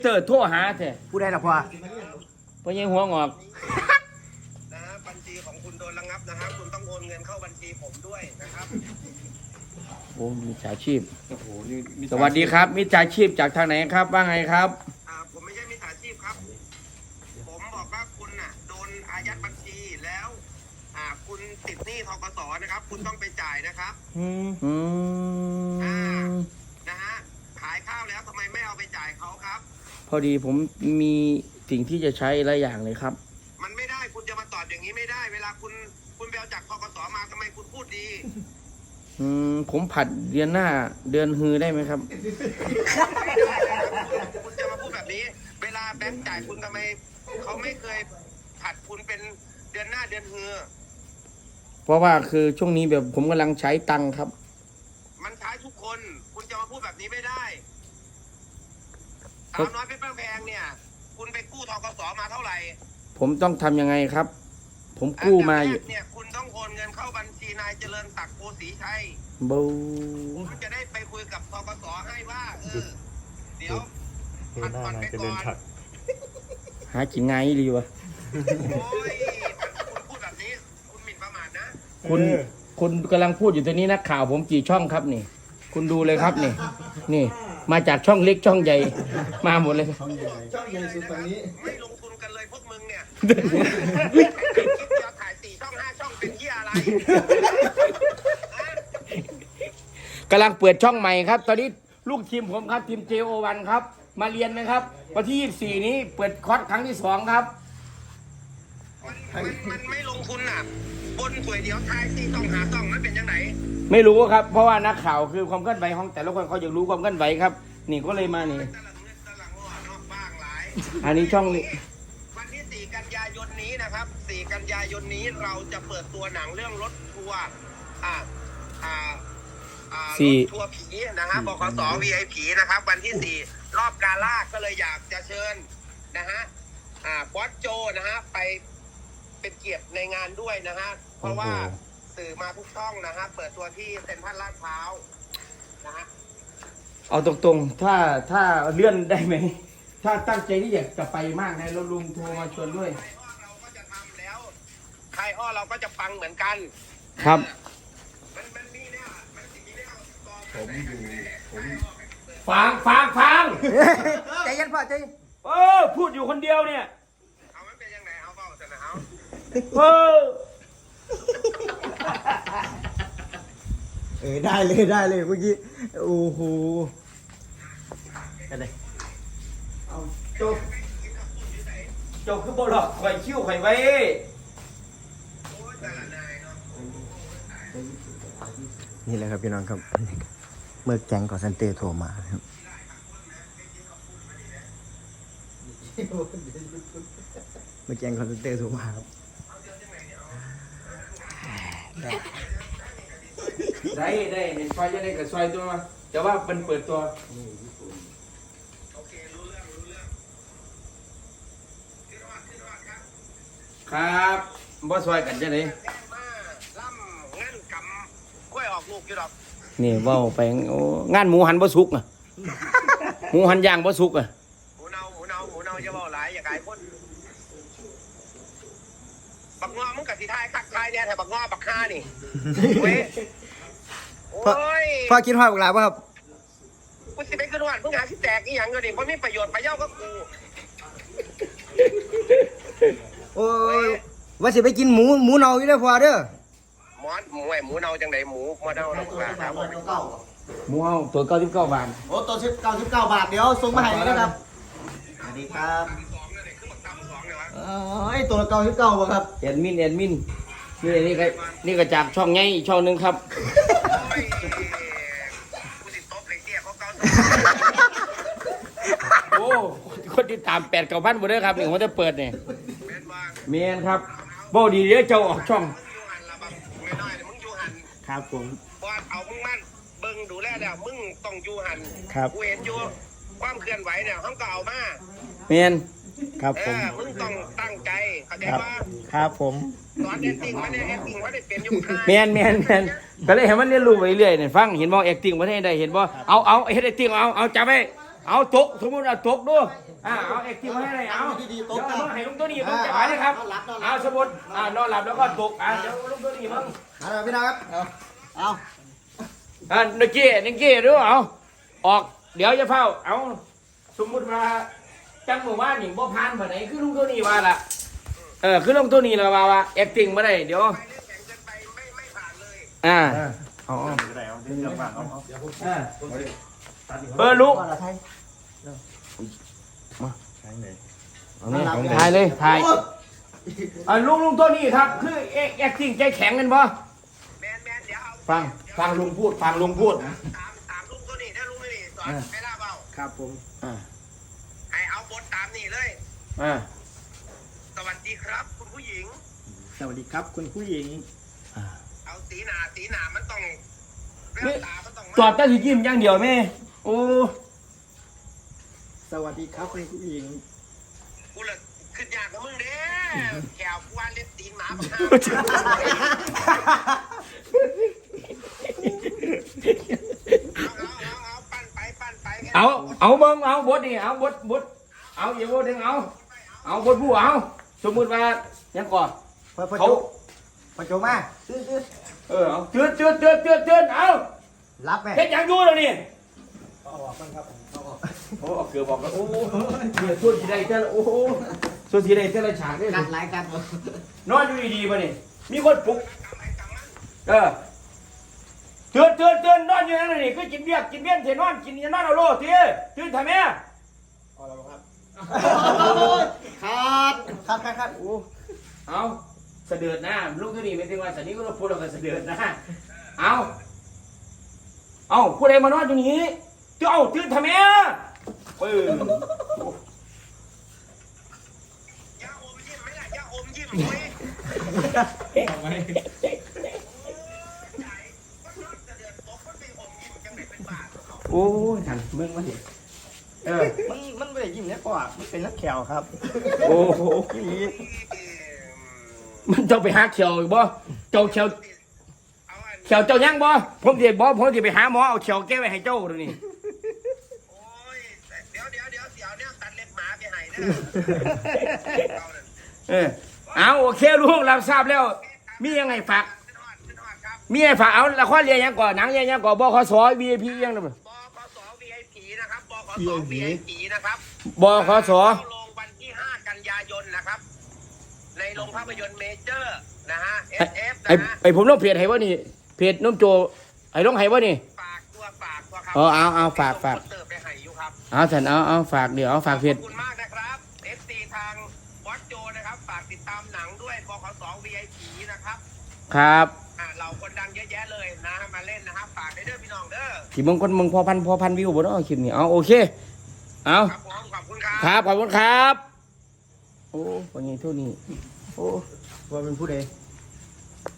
เตอร์โทรหาแท้ผู้ใดล่ะพ่อเพราะยังหัวงอกนะฮะบัญชีของคุณโดนระงับนะครับคุณต้องโอนเงินเข้าบัญชีผมด้วยนะครับโอ้มิจฉาชีพโอ้โหนี่มีสวัสดีครับมิจฉาชีพจากทางไหนครับว่าไงครับผมไม่ใช่มิจฉาชีพครับ ผมบอกว่าคุณน่ะโดนอายัดบัญชีแล้วคุณติดหนี้ธกสนะครับ คุณต้องไปจ่ายนะครับอืมนะฮะขายข้าวแล้วทำไมไม่เอาไปจ่ายเขาครับพอดีผมมีสิ่งที่จะใช้หลายอย่างเลยครับมันไม่ได้คุณจะมาตอบอย่างนี้ไม่ได้ เวลาคุณไปเอาจากธกสมาทำไมคุณพูดดีผมผัดเดือนหน้าเดือนฮือได้ไหมครับคุณจะมาพูดแบบนี้ เวลาแบงค์จ่ายคุณทำไมเขาไม่เคยผัดคุณเป็นเดือนหน้าเดือนฮือเพราะว่าคือช่วงนี้แบบผมกำลังใช้ตังค์ครับมันใช้ทุกคน คุณจะมาพูดแบบนี้ไม่ได้ครัสาบวน้อยเพชรบ้านแพงเนี่ย คุณไปกู้ธกสมาเท่าไหร่ผมต้องทำยังไงครับ ผมกู้มาอยู่อันดับแรกเนี่ยคุณต้องโอนเงินเข้าบัญชีนายเจริญศักดิ์โพสีชัยบูคุณจะได้ไปคุยกับธกสให้ว่าเดี๋ยวผัดผ่อนไปก่อนหากินไงายดีวะโอ้ยคุณพูดแบบนี้ คุณหมิ่นประมาทนะคุณกำลังพูดอยู่ตรงนี้นักข่าวผมกี่ช่องครับนี่ คุณดูเลยครับนี่ มาจากช่องเล็กช่องใหญ่ มาหมดเลยช่องใหญ่สุดตอนนี้ไม่ลงทุนกันเลยพวกมึงเนี่ยคิดจะถ่าย4 ช่อง 5 ช่องเป็นที่อะไรกำลังเปิดช่องใหม่ครับ ตอนนี้ลูกทีมผมครับทีม JO1 ครับ มาเรียนไหมครับ วันที่ 24 นี้เปิดคอร์สครั้งที่ 2 ครับมันไม่ลงทุนน่ะ บนสวยเดียวทาย4 ช่อง 5 ช่องมันเป็นยังไงไม่รู้ครับ เพราะว่านักข่าวคือความเคลื่อนไหวของแต่ละคนเขาอยากรู้ความเคลื่อนไหวครับ นี่ก็เลยมานี่ตะหลังเงินตะหลังหัวนอกบ้างหลายอันนี้ช่องนี้วันที่ 4 กันยายนนี้นะครับ 4 กันยายนนี้เราจะเปิดตัวหนังเรื่องรถทัวร์รถทัวร์ผีนะฮะบขส VIP นะครับ วันที่ 4 รอบกาล่าก็เลยอยากจะเชิญนะฮะบอสโจนะฮะไปเป็นเกียรติในงานด้วยนะฮะเพราะว่าสื่อมาทุกช่องนะฮะเปิดตัวที่เซ็นทรัลลาดพร้าวนะฮะเอาตรงๆ ถ้าเลื่อนได้ไหม ถ้าตั้งใจที่อยากจะไปมากนะแล้วลุงโทรมาชวนด้วยไทยอ้อเราก็จะทำแล้วไทยอ้อเราก็จะฟังเหมือนกันครับมันมีเนี่ยมันมีเนี่ยกองผมอยู่ผมฟังใจเย็นพ่อใจเย็นพูดอยู่คนเดียวเนี่ยเอามันเป็นยังไงเอาเปล่าจะนะเอาได้เลยเมื่อกี้โอ้โหอะไรเอาโจคือบหลอกข่อยคิ้วข่อยไว้นี่แหละครับพี่น้องครับเมื่อแก๊งก่อเซนเตอร์โทรมาครับเมื่อแก๊งก่อเซนเตอร์โทรมาครับได้เห็นไฟจะได้กับซอยตัวมาแต่ว่าเป็นเปิดตัวโอเครู้เรื่องที่รอดครับครับบ่ซอยกันจะไหนแจ้งมาล่ำงั้นกำกล้วยออกลูกอยู่ดอกนี่เว้าไปโอ้งานหมูหันบ่สุกอ่ะ หมูหันย่างบ่สุกอ่ะหมูเนาอย่าบอกหลายอย่าขายคนบักงอมึงกับสีไทยคักไทยเนี่ยแต่บักงอบักฆ่านี่เว้ยโอ้ยพ่อคิดว่าเวลาป่ะครับกูสิไปขึ้นวันเพิ่งหาที่แตกอีหยังเงินดิเพราะมีประโยชน์ประเย้าก็กูโอ้ยว่าสิไปกินหมูเนาอยู่เด้อพ่อเด้อหมูเนาจังไหนหมูเนาเราครับหมูเฮาตัว99 บาทโอ้ตัว99 บาทเดี๋ยวส่งมาให้เลยนะครับสวัสดีครับสองเนี่ยคือบักตำสองเลยวะไอ้ตัวละ99บ่ครับแอดมินนี่ก็จากช่องใหญ่อีกช่องหนึงครับโอ้ยกูติดโต๊ะเลยเตี้ยเขาเกาโอ้คนที่ตาม8-9,000บ่เด้อครับนี่ผมจะเปิดนี่เป็นว่าเมียนครับบ่ดีเด้อเจ้าออกช่องมึงอยู่หันละบักไม่น้อยมึงอยู่หันครับผมว่าเอามึงมั่นเบิ่งดูแลแล้วมึงต้องอยู่หันครับกูเห็นอยู่ความเคลื่อนไหวเนี่ยเขาก็เอามาเมียนครับผมมึงต้องตั้งใจเข้าใจว่าครับผมสอนแอคติ้งมันเนี่ยแอคติ้งว่าได้เป็นอยู่ค่ายเมียนก็เลยให้มันเรียนรู้ไปเรื่อยเนี่ยฟังเห็นบ่ acting บ่ได้เห็นบ่เอาเฮ็ด acting เอาจับไว้เอาตกสมมุติเอาตกดูเอาเอ็กซ์ทีมาให้เลยเอาเดี๋ยวมึงให้ลุงตัวนี้มึงจะไหวเลยครับเอาสมมุตินอนหลับแล้วก็ตกเดี๋ยวลุงตัวนี้มึงเอาพี่น้องครับเอานิกกี้ดูเอาออกเดี๋ยวจะเฝ้าเอาสมมุติว่าจังหมู่บ้านนี่บ่ผ่านบ่ไหนคือลุงตัวนี้ว่าล่ะคือลุงตัวนี้ละว่าเอ็กซ์ติ้งบ่ได้เดี๋ยวไปเรื่องแข่งเกินไปไม่ผ่านเลยอ๋อเอาลุงก่อนละไทยถ่ายเลยถ่ายลุงตัวนี้ครับคือแอคติ้งใจแข็งกันบ่แมนเดี๋ยวเอาฟังลุงพูดฟังลุงพูดถามลุงตัวนี้ถ้าลุงนี่สอนให้ลาเบาครับผมให้เอาบทตามนี่เลย สวัสดีครับคุณผู้หญิงสวัสดีครับคุณผู้หญิงเอาสีหนามันต้องเรื่องตามันต้องจอดแต่สิยิ้มอย่างเดียวแม่โอ้สวัสดีครับคุณผู้หญิงกูเลยขึ้นยากกับมึงเด้แขวกูว่าเล็บตีนหมาบักเอาปั้นไปเอาเบิ่งเอาบทนี่เอาบทเอาอย่าบทดึงเอาบทผู้เอาสมมุติว่ายังก่อนเขาพอโจมาซื้อเอาเตือนเอารับแม่เฮ็ดหยังอยู่แล้วนี่โอ้เอาเกือบบอกแล้วโอ้เนี่ยส่วนสีใดแต่ละโอ้ส่วนสีใดแต่ละฉากเนี่ยกัดหลายกัดนอนอยู่ดีๆป่ะนี่มีคนปลุกเตือนนอนอยู่นั่นนี่คือกินเบียร์เสร็จนอนกินนอนเอาโลดทีตื่นทำไมคัดโอ้เอาเสด็จหน้าลูกที่นี่ไม่ถึงว่าสันนี้ก็พูดเราก็เสด็จหน้าเอาผู้ใดมานอนอยู่นี่ตื่นทำไมอย่าอมยิ้มไหมล่ะอย่าอมยิ้มเว้ยโอ้ยทันมึงมาดิมันไม่ได้ยิ้มเนี่ยก่อนมันเป็นนักแขวครับโอ้โหมันเจ้าไปหาเขียวอีกบ่เจ้าเขียวเจ้ายังบ่ผมจะไปหาหมอเอาเขียวแก้ไว้ให้เจ้าดูนี่โอ้ยเดี๋ยวเนี่ยตัดเล็บหมาไปให้เด้อเอาโอเคลูกเราทราบแล้ว มียังไงฝากขึ้นฮอดครับมีไงฝากเอาละครเรียนยังก่อนหนังเรียนยังก่อนบขส VIP ยังนะบขส VIP นะครับบขส VIP นะครับบขสเข้าลงวันที่ 5 กันยายนนะครับ ในโรงภาพยนตร์เมเจอร์นะฮะ SF นะฮะไอผมต้องเพจให้ว่านี่เพจน้มโจไอ้ต้องให้ว่านี่ฝากตัวครับเอาฝากเติบไปให้อยู่ครับเอาฉันเอาฝากเดี๋ยวเอาฝากเพจขอบคุณมากนะครับ FC ทางวัดโจนะครับ ฝากติดตามหนังด้วยบขส VIP นะครับครับเราคนดังเยอะแยะเลยนะมาเล่นนะครับ ฝากได้เด้อพี่น้องเด้อที่มึงคนมึงพอพันวิวบ่เนาะคลิปนี้เอาโอเคเอาครับผมขอบคุณครับครับขอบคุณครับโอ้วันนี้เท่านี้โอ้ว่าเป็นผู้ใด